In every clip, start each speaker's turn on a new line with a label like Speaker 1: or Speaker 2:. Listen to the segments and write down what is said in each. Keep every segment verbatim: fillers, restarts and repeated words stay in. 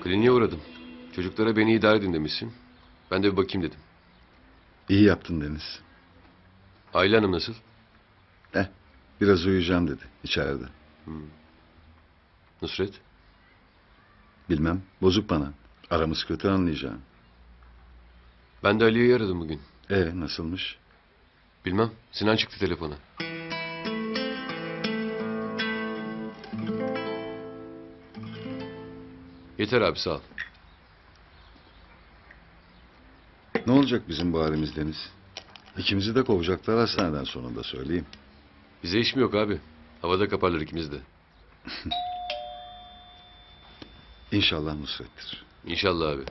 Speaker 1: Kliniğe uğradım. Çocuklara beni idare edin demişsin. Ben de bir bakayım dedim.
Speaker 2: İyi yaptın Deniz.
Speaker 1: Aile Hanım nasıl?
Speaker 2: Eh, biraz uyuyacağım dedi içeride.
Speaker 1: Nusret?
Speaker 2: Bilmem, bozuk bana. Aramız kötü anlayacağım.
Speaker 1: Ben de Aliye'yi aradım bugün.
Speaker 2: E nasılmış?
Speaker 1: Bilmem. Sinan çıktı telefona. Yeter abi, sağ ol.
Speaker 2: Ne olacak bizim bu halimiz Deniz? İkimizi de kovacaklar hastaneden sonunda söyleyeyim.
Speaker 1: Bize iş mi yok abi? Havada kaparlar ikimiz de.
Speaker 2: İnşallah Nusret'tir.
Speaker 1: İnşallah abi.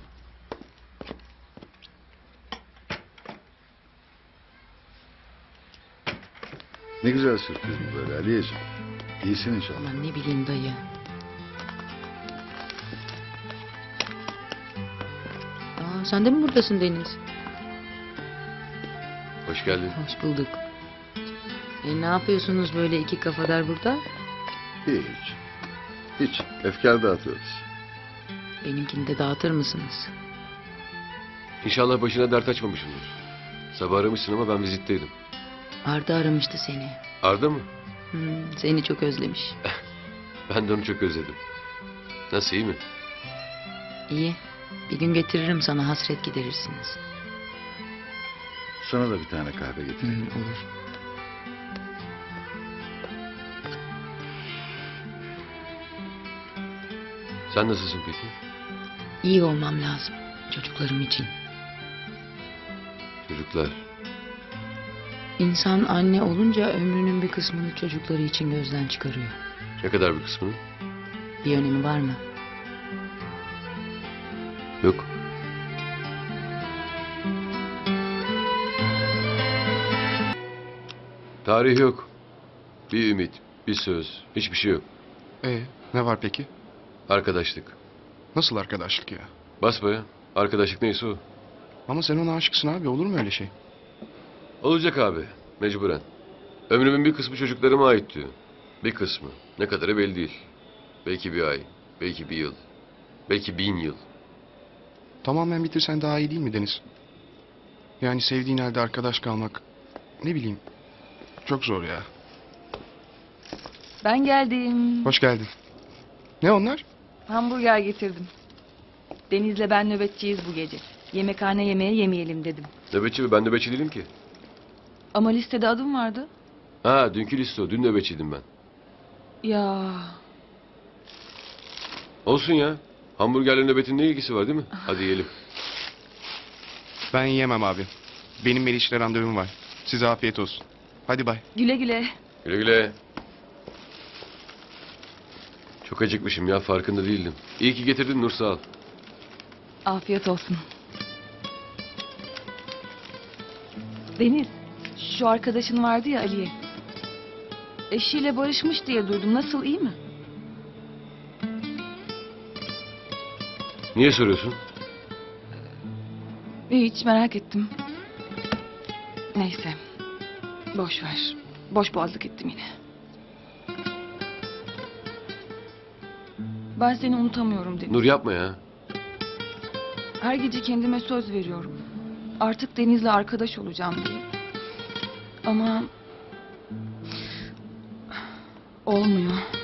Speaker 2: Ne güzel sürpriz bu böyle Aliyeciğim. İyisin inşallah.
Speaker 3: Aman ne bileyim dayı. Aa, sen de mi buradasın Deniz?
Speaker 1: Hoş geldin.
Speaker 3: Hoş bulduk. E, ne yapıyorsunuz böyle iki kafadar burada?
Speaker 2: Hiç. Hiç. Efkar dağıtıyoruz.
Speaker 3: Benimkini de dağıtır mısınız?
Speaker 1: İnşallah başına dert açmamışımdır. Sabah aramışsın ama ben vizitteydim.
Speaker 3: Arda aramıştı seni.
Speaker 1: Arda mı?
Speaker 3: Hmm, seni çok özlemiş.
Speaker 1: Ben de onu çok özledim. Nasıl, iyi mi?
Speaker 3: İyi. Bir gün getiririm sana, hasret giderirsiniz.
Speaker 2: Sana da bir tane kahve
Speaker 3: Hmm,
Speaker 2: getireyim.
Speaker 3: olur.
Speaker 1: Sen nasılsın peki?
Speaker 3: İyi olmam lazım. Çocuklarım için.
Speaker 1: Çocuklar.
Speaker 3: İnsan anne olunca ömrünün bir kısmını çocukları için gözden çıkarıyor.
Speaker 1: Ne kadar bir kısmını?
Speaker 3: Bir önemi var mı?
Speaker 1: Yok. Tarih yok. Bir ümit, bir söz, hiçbir şey yok.
Speaker 4: Ee, ne var peki?
Speaker 1: Arkadaşlık.
Speaker 4: Nasıl arkadaşlık ya?
Speaker 1: Basbaya. Arkadaşlık neyse o.
Speaker 4: Ama sen ona aşıksın abi, olur mu öyle şey?
Speaker 1: Olacak abi. Mecburen. Ömrümün bir kısmı çocuklarıma ait diyor. Bir kısmı. Ne kadarı belli değil. Belki bir ay. Belki bir yıl. Belki bin yıl.
Speaker 4: Tamamen bitirsen daha iyi değil mi Deniz? Yani sevdiğin halde arkadaş kalmak, ne bileyim, çok zor ya.
Speaker 5: Ben geldim.
Speaker 4: Hoş geldin. Ne onlar?
Speaker 5: Hamburger getirdim. Deniz'le ben nöbetçiyiz bu gece. Yemekhane yemeğe yemeyelim dedim.
Speaker 1: Nöbetçi mi? Ben nöbetçi değilim ki.
Speaker 5: Ama listede adım vardı.
Speaker 1: Ha, dünkü liste o. Dün nöbetçiydim ben.
Speaker 5: Ya
Speaker 1: Olsun ya. Hamburgerle nöbetin ne ilgisi var değil mi? Hadi yiyelim.
Speaker 4: Ben yiyemem abi. Benim Meriç'le randevum var. Size afiyet olsun. Hadi bay.
Speaker 5: güle güle.
Speaker 1: Güle güle. Çok acıkmışım ya, farkında değildim. İyi ki getirdin Nur, sağ ol.
Speaker 5: Afiyet olsun. Deniz, şu arkadaşın vardı ya Aliye. Eşiyle barışmış diye duydum. Nasıl, iyi mi?
Speaker 1: Niye soruyorsun?
Speaker 5: Hiç merak ettim. Neyse. Boş ver. Boş boğazlık ettim yine. Ben seni unutamıyorum Deniz.
Speaker 1: Nur yapma ya.
Speaker 5: Her gece kendime söz veriyorum. Artık Deniz'le arkadaş olacağım diye. Ama olmuyor.